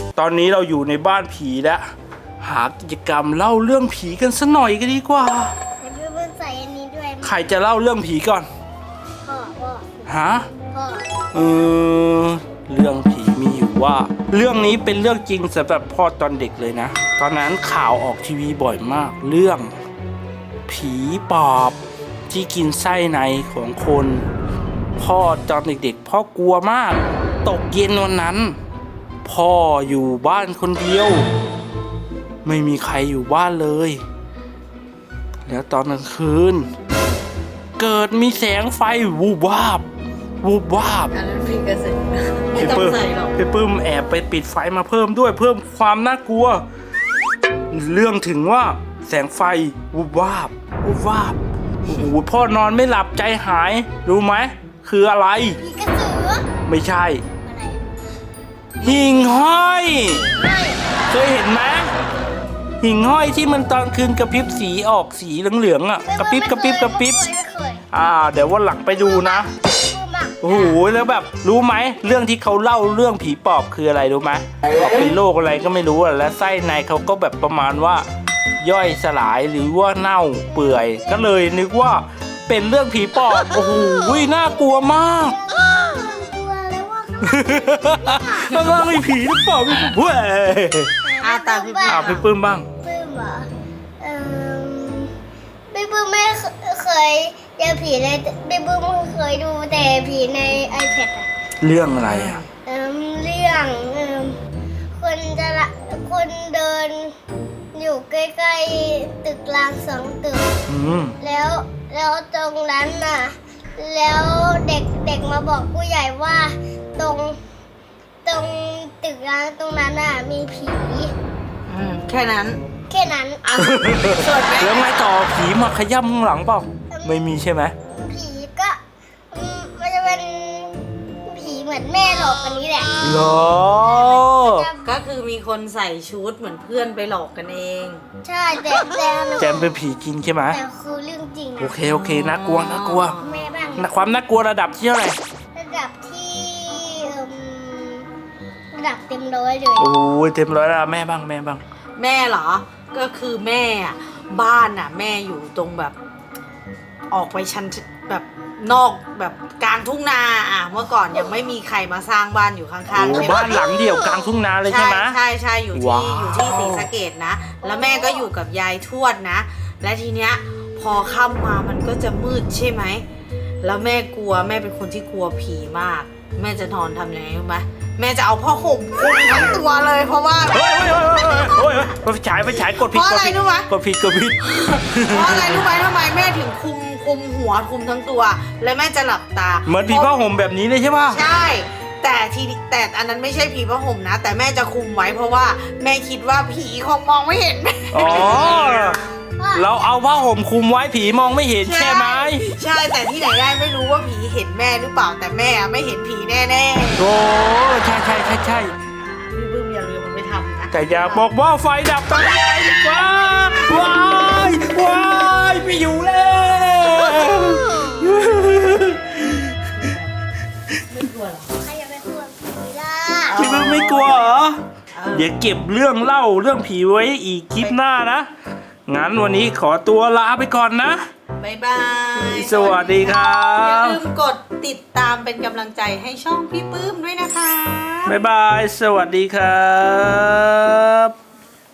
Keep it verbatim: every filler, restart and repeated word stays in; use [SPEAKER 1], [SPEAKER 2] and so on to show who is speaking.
[SPEAKER 1] ตอนนี้เราอยู่ในบ้านผีแล้วหากิจกรรมเล่าเรื่องผีกันสักหน่อยก็ดีกว่า
[SPEAKER 2] แล้วพี่เพิ่งใส่อันนี้ด้วย
[SPEAKER 1] ใครจะเล่าเรื่องผีก่อน
[SPEAKER 2] พ่อพ่อ
[SPEAKER 1] ฮะ
[SPEAKER 2] พ่อ
[SPEAKER 1] เออเรื่องผีมีอยู่ว่าเรื่องนี้เป็นเรื่องจริงสำหรับพ่อตอนเด็กเลยนะตอนนั้นข่าวออกทีวีบ่อยมากเรื่องผีปอบที่กินไส้ในของคนพ่อตอนเด็กๆพ่อกลัวมากตกเย็นวันนั้นพ่ออยู่บ้านคนเดียวไม่มีใครอยู่บ้านเลยแล้วตอนกลางคืนเกิดมีแสงไฟวูบวาบวูบวาบ
[SPEAKER 3] อันนั้นพี่กระสือไม่ต้องใส่หรอก
[SPEAKER 1] พี่ปื้มแอบไปปิดไฟมาเพิ่มด้วยเพิ่มความน่ากลัวเรื่องถึงว่าแสงไฟวูบวาบวูบวาบโอ้โหพ่อนอนไม่หลับใจหายรู้ไหมคืออะไร
[SPEAKER 2] ผีกระสือ
[SPEAKER 1] ไม่ใช่
[SPEAKER 2] อะไร
[SPEAKER 1] หิ่งห้อยเคยเห็นไหมหิ่งห้อยที่มันตอนคืนกระพริบสีออกสีเหลืองๆอ่ะกระพริบกระพริบกระพริบอ่าเดี๋ยววันหลังไปดูนะโอ้โหแล้วแบบรู้ไหมเรื่องที่เขาเล่าเรื่องผีปอบคืออะไรรู้ไหมเขาเป็นโรคอะไรก็ไม่รู้อ่ะและไส้ในเขาก็แบบประมาณว่าย่อยสลายหรือว่าเน่าเปื่อยก็เลยนึกว่าเป็นเรื่องผีปอบโอ้โหน่ากลัวมาก
[SPEAKER 2] กลัวแล้วว่า
[SPEAKER 1] ข้างล่างมีผีหรือเปล่าพี่เว้ย
[SPEAKER 3] อาตาพี่ปื้ม
[SPEAKER 1] อ่าพี่ปื้มบ้าง
[SPEAKER 2] ปื้มเหรอเออพี่ปื้มไม่เคยเจอผีเลยพี่ปื้มเคยดูแต่ผีใน iPad อะ
[SPEAKER 1] เรื่องอะไรอ่ะ
[SPEAKER 2] เออเรื่องเออคนจะละคนเดินอยู่ใกล้ๆตึกรางสองตึกแล้วแล้วตรงนั้นน่ะแล้วเด็กเด็กมาบอกผู้ใหญ่ว่าตรงตรงตึกร้างตรงนั้นน่ะมีผี
[SPEAKER 3] แค่นั้น
[SPEAKER 2] แค่นั้น
[SPEAKER 1] แล้วไงต่อผีมาขย้ำข้างหลังเปล่าไม่มีใช่ไหม
[SPEAKER 2] ผีก็มันจะเป็นผีเหมือนแม่หลอกกันนี้แหละ
[SPEAKER 1] หรอ
[SPEAKER 3] ก็คือมีคนใส่ชุดเหมือนเพื่อนไปหลอกกันเอง
[SPEAKER 2] ใช่แต่แต่
[SPEAKER 1] แจมเป็นผีจริงใช่ไหม
[SPEAKER 2] แต่คือเรื่องจริง
[SPEAKER 1] โอเคโอเคน่ากลัวน่ากลัว
[SPEAKER 2] แม่บ้าง
[SPEAKER 1] ความน่ากลัวระดับที่เท่าไหร่
[SPEAKER 2] ระดับที่ระดับเต็มร้อยเลย
[SPEAKER 1] โอ้ยเต็มร้อยแล้วแม่บ้างแม่บ้าง
[SPEAKER 3] แม่เหรอก็คือแม่บ้านน่ะแม่อยู่ตรงแบบออกไปชั้นแบบนอกแบบกลางทุ่งนาอ่ะเมื่อก่อนยังไม่มีใครมาสร้างบ้านอยู่ข้างๆใช่ไหม
[SPEAKER 1] บ้านหลังเดียวกลางทุ่งนาเลยใช่ไหม
[SPEAKER 3] ใช่ใช่อยู่ที่อยู่ที่ศรีสะเกษนะแล้วแม่ก็อยู่กับยายทวดนะและทีเนี้ยพอค่ำมามันก็จะมืดใช่ไหมแล้วแม่กลัวแม่เป็นคนที่กลัวผีมากแม่จะนอนทำยังไงรู้ไหมแม่จะเอาผ้าห่มคลุมทั้งตัวเลยเพราะว่า
[SPEAKER 1] โอ้ยโอ้ยโอ้ยโอ้ยไปฉายไปฉายกดผิดกดผิดกดผิดกดผิด
[SPEAKER 3] เพราะอะไรรู้ไหมทำไมแม่ถึงคุมคุมหัวคุมทั้งตัวแล้วแม่จะหลับตา
[SPEAKER 1] เหมือนผีผ้าห่มแบบนี้เลยใช่ป่ะ
[SPEAKER 3] ใช่แต่ทีแต่อันนั้นไม่ใช่ผีผ้าห่มนะแต่แม่จะคุมไว้เพราะว่าแม่คิดว่าผีคงมองไม่เห็น
[SPEAKER 1] อ๋อเราเอาผ้าห่มคลุมไว้ผีมองไม่เห็นใช่ไหม
[SPEAKER 3] ใช่แต่ที่ไหนได้ไม่รู้ว่าผีเห็นแม่หรือเปล่าแต่แม่ไม่เห็นผีแน่ๆ
[SPEAKER 1] โอ้ใช่ใช่ใช่ใช่
[SPEAKER 3] พี่บึ้มอย่าลืมมันไม่ทำนะ
[SPEAKER 1] แต่อย่าบอกว่าไฟดับตอนนี้ว้าวว้ายว้ายไม่อยู่แล้ว
[SPEAKER 3] ไม่กลัวหรอ
[SPEAKER 2] ใครจะไปกลัวผีล่ะ
[SPEAKER 1] พี่บึ้มไม่กลัวเหรอเดี๋ยวเก็บเรื่องเล่าเรื่องผีไว้อีกคลิปหน้านะงั้นวันนี้ขอตัวลาไปก่อนนะ
[SPEAKER 3] บ๊ายบาย
[SPEAKER 1] สวัสดีครับ
[SPEAKER 3] อย่าลืมกดติดตามเป็นกำลังใจให้ช่องพี่ปื้มด้วยนะคะ
[SPEAKER 1] บ๊ายบายสวัสดีครับ